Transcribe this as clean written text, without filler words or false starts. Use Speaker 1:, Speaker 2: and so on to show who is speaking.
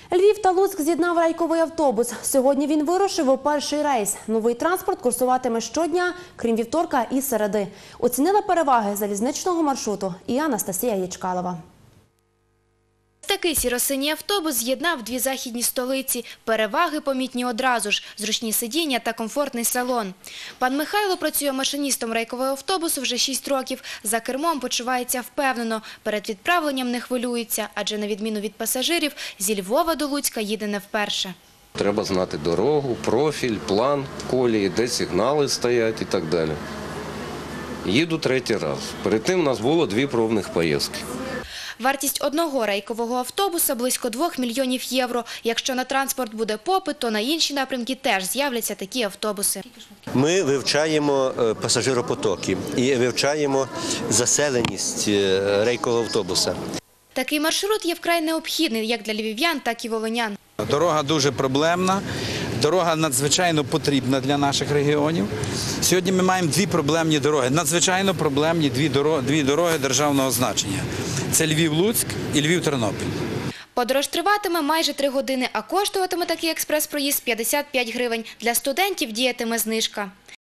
Speaker 1: Львів та Луцьк з'єднав рейковий автобус. Сьогодні він вирушив у перший рейс. Новий транспорт курсуватиме щодня, крім вівторка і середи. Оцінила переваги залізничного маршруту і Анастасія Ячкалова.
Speaker 2: Такий сіро-синій автобус з'єднав дві західні столиці. Переваги помітні одразу ж – зручні сидіння та комфортний салон. Пан Михайло працює машиністом рейкового автобусу вже 6 років. За кермом почувається впевнено. Перед відправленням не хвилюється, адже на відміну від пасажирів, зі Львова до Луцька їде не вперше.
Speaker 3: Треба знати дорогу, профіль, план колії, де сигнали стоять і так далі. Їду третій раз. Перед тим у нас було 2 пробних поїздки.
Speaker 2: Вартість одного рейкового автобуса – близько 2 мільйонів євро. Якщо на транспорт буде попит, то на інші напрямки теж з'являться такі автобуси.
Speaker 4: Ми вивчаємо пасажиропотоки і вивчаємо заселеність рейкового автобуса.
Speaker 2: Такий маршрут є вкрай необхідний як для львів'ян, так і волинян.
Speaker 5: Дорога дуже проблемна, дорога надзвичайно потрібна для наших регіонів. Сьогодні ми маємо 2 проблемні дороги, надзвичайно проблемні 2 дороги державного значення. Це Львів-Луцьк і Львів-Тернопіль.
Speaker 2: Подорож триватиме майже 3 години, а коштуватиме такий експрес-проїзд 55 гривень. Для студентів діятиме знижка.